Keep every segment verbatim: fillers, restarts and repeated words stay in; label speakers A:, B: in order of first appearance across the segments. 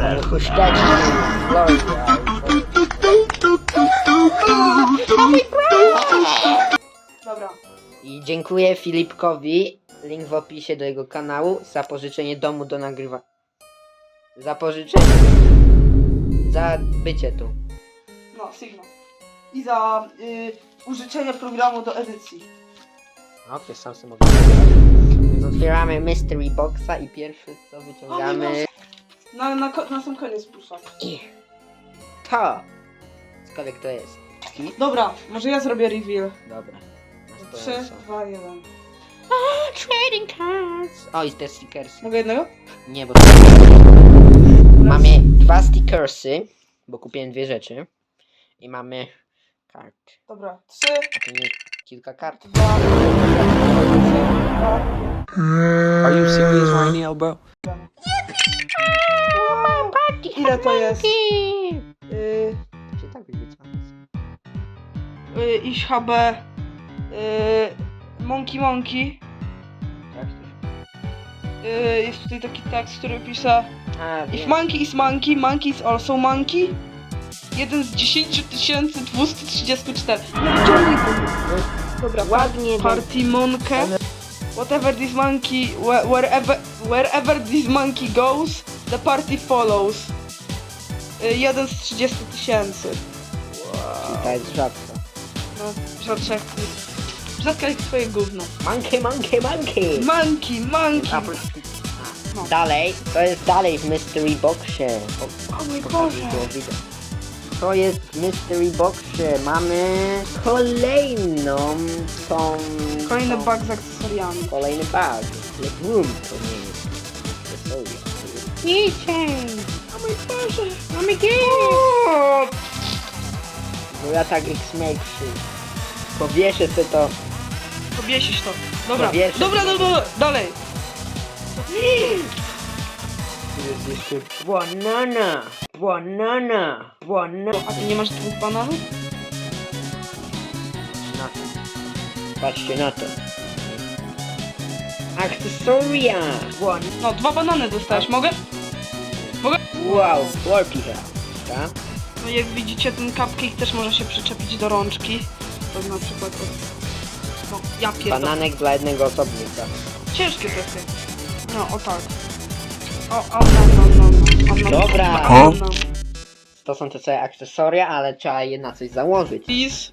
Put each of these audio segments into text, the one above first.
A: Chusteczki, Florida.
B: Dobra.
A: I dziękuję Filipkowi, link w opisie do jego kanału, za pożyczenie domu do nagrywania. Za pożyczenie. Za bycie tu.
B: No, Sigma. I za y, użyczenie programu do edycji.
A: Okej, sam sobie mogę nagrywać. Więc otwieramy Mystery Boxa i pierwszy co wyciągamy...
B: Na, na, ko- na sam koniec pusza.
A: I to! Cokolwiek to jest. I...
B: Dobra, może ja zrobię reveal.
A: Dobra.
B: trzy, dwa, jeden.
A: Trading cards! O, i te stickersy.
B: Mogę jednego?
A: Nie, bo to... Mamy dwa stickersy, bo kupiłem dwie rzeczy. I mamy kart.
B: Dobra, trzy,
A: A to nie kilka kart?
B: dwa,
C: Are you serious right now, bro?
B: ile to jest? Y,
A: Się tak wygląda.
B: y, iść H B. Y, monkey Monkey.
A: Tak, to
B: Y, jest tutaj taki tekst, który pisze:
A: A,
B: If
A: wiem.
B: monkey is monkey, monkey is also monkey. Jeden z dziesięć tysięcy dwieście trzydzieści cztery. No ciągnij to. Dobra,
A: Ładnie,
B: Party Monkę. Whatever this monkey, whe- wherever, wherever this monkey goes, the party follows. Y, jeden z trzydziestu tysięcy.
A: Czyli ta jest rzadka.
B: No, rzadka jak... Rzadka jak twoje gówno.
A: Monkey, monkey, monkey!
B: Monkey, monkey!
A: Apple- A, Dalej, to jest dalej w Mystery Boxie. O,
B: O mój
A: pokażę,
B: Boże.
A: było widać. To jest w Mystery Boxie. Mamy kolejną tą...
B: Kolejny
A: tą-
B: bug z akcesoriami.
A: Kolejny bug. Legroom to nie jest. Akcesoria. Keychain!
B: O mój Boże!
A: Mamy gift! No ja tak X-Make'szy. Powieszę sobie to.
B: Powiesisz to. Dobra,
A: Powieszę.
B: dobra, dobra, dalej.
A: Tu jest jeszcze... Banana! Banana! Banana!
B: A ty nie masz dwóch bananów?
A: Na to. Patrzcie na to. Akcesoria! Ban...
B: No, dwa banany dostałeś, mogę? Mogę?
A: Wow, Warpy tak?
B: No jak widzicie, ten cupcake też może się przyczepić do rączki. To na przykład od... No, ja pierdolę.
A: Bananek dla jednego osobnika.
B: Ciężkie to jest. No, o tak. O, o, no, no, no, no. O, no,
A: Dobra.
B: no, no.
A: To są te całe akcesoria, ale trzeba je na coś założyć.
B: Please.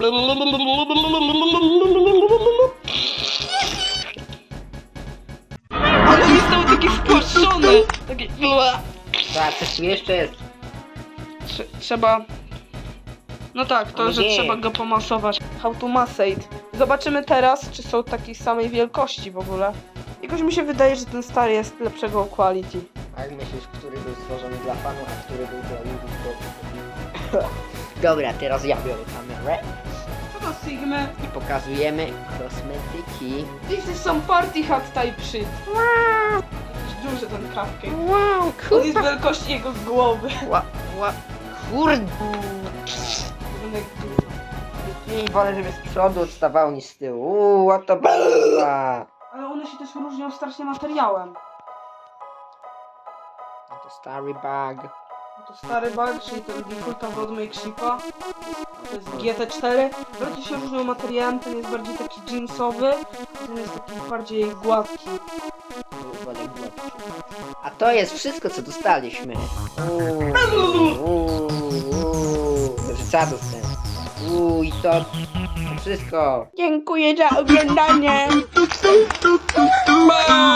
B: Ale on jest cały taki spłaszczony. Taki...
A: Tak, coś tu jeszcze jest.
B: Trze- Trzeba... No tak, to,
A: Ale
B: że
A: nie.
B: trzeba go pomasować. How to massate. Zobaczymy teraz, czy są takiej samej wielkości w ogóle. Jakoś mi się wydaje, że ten stary jest lepszego quality.
A: Jak myślisz, który był stworzony dla fanów, a który był dla ludzi? Dobra, teraz ja biorę kamerę
B: Co to Sigmy?
A: i pokazujemy kosmetyki.
B: This is some party hat type shit. Jakiś duży ten cupcake.
A: Wow,
B: On jest wielkości jego głowy.
A: Ła, ła, kurde.
B: Wygląda jak dużo.
A: I wolę, żeby z przodu odstawało niż z tyłu. Uuu, what the bella.
B: Ale one się też różnią strasznie materiałem.
A: No to stary bag.
B: No to stary bag, czyli ten Defaulta Roadmake Shipa. To jest G T cztery. Bardziej się różnią materiałem, ten jest bardziej taki jeansowy, a ten jest taki bardziej gładki.
A: Wolę gładki. A to jest wszystko, co dostaliśmy. Uuu, uuu, uuu. Znaczy, co dostałem? Uuu, i to, to wszystko.
B: Dziękuję za oglądanie. Bye!